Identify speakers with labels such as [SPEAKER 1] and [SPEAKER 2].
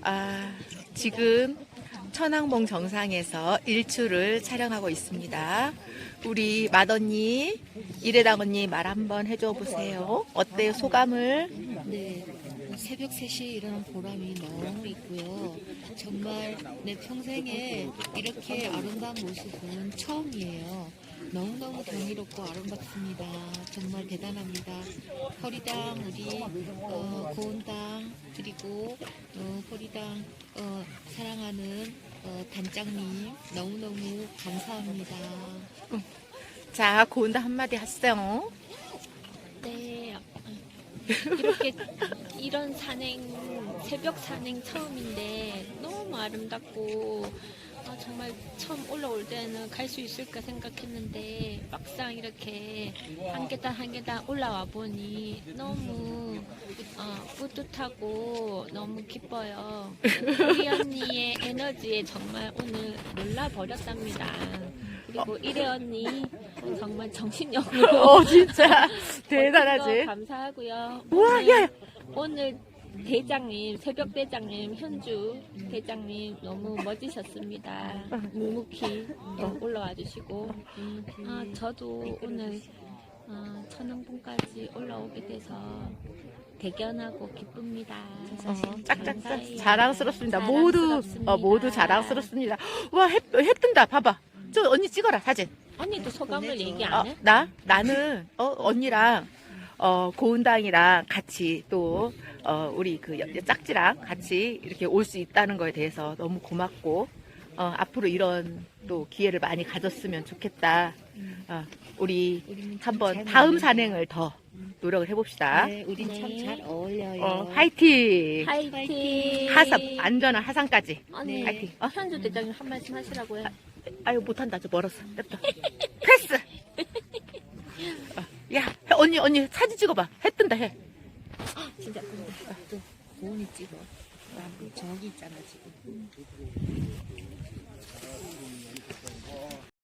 [SPEAKER 1] 지금 천왕봉 정상에서 일출을 촬영하고 있습니다. 우리 맏언니, 이래당 언니 말 한번 해줘 보세요. 어때요, 소감을?
[SPEAKER 2] 네, 새벽 3시에 일어난 보람이 너무 있고요. 정말 내 평생에 이렇게 아름다운 모습은 처음이에요. 너무너무 경이롭고 아름답습니다. 정말 대단합니다. 허리당, 우리 고은당, 그리고 허리당 사랑하는 단장님 너무너무 감사합니다.
[SPEAKER 1] 자, 고은다 한마디 하세요.
[SPEAKER 3] 네, 이렇게 이런 산행, 새벽 산행 처음인데 너무 아름답고 정말 처음 올라올 때는 갈 수 있을까 생각했는데 막상 이렇게 한 계단 한 계단 올라와 보니 너무 뿌듯하고 너무 기뻐요. 우리 언니의 에너지에 정말 오늘 놀라버렸답니다. 그리고 이래 언니 정말 정신력으로
[SPEAKER 1] 진짜
[SPEAKER 3] 멋진
[SPEAKER 1] 대단하지.
[SPEAKER 3] 거 감사하고요.
[SPEAKER 1] 우와, 야,
[SPEAKER 3] 오늘 대장님, 새벽 대장님, 현주 대장님 너무 멋지셨습니다. 묵묵히 올라와 주시고 저도 오늘 천왕봉까지 올라오게 돼서 대견하고 기쁩니다.
[SPEAKER 1] 짝짝짝
[SPEAKER 3] 감사해요.
[SPEAKER 1] 자랑스럽습니다.
[SPEAKER 3] 자랑스럽습니다.
[SPEAKER 1] 모두 자랑스럽습니다. 와, 해 뜬다. 봐봐. 저 언니 찍어라, 사진.
[SPEAKER 3] 언니도 소감을
[SPEAKER 2] 보내줘.
[SPEAKER 3] 얘기 안 해?
[SPEAKER 1] 나는 언니랑 고은당이랑 같이 또 우리 그 짝지랑 같이 이렇게 올 수 있다는 거에 대해서 너무 고맙고 앞으로 이런 또 기회를 많이 가졌으면 좋겠다. 우리
[SPEAKER 2] 우리는 참
[SPEAKER 1] 한번
[SPEAKER 2] 잘
[SPEAKER 1] 다음
[SPEAKER 2] 어울린다.
[SPEAKER 1] 산행을 더 노력을 해봅시다.
[SPEAKER 2] 네, 우린 참
[SPEAKER 3] 네.
[SPEAKER 2] 잘 어울려요.
[SPEAKER 1] 화이팅!
[SPEAKER 3] 화이팅!
[SPEAKER 1] 안전한 하산까지.
[SPEAKER 3] 언니,
[SPEAKER 1] 화이팅.
[SPEAKER 3] 현주 대장님 한 말씀 하시라고요.
[SPEAKER 1] 아유, 못한다. 저 멀었어. 냅둬. 패스! 야, 언니 사진 찍어봐. 해 뜬다, 해.
[SPEAKER 3] 진짜
[SPEAKER 2] 또 고은이 찍어. 저기 있잖아 지금.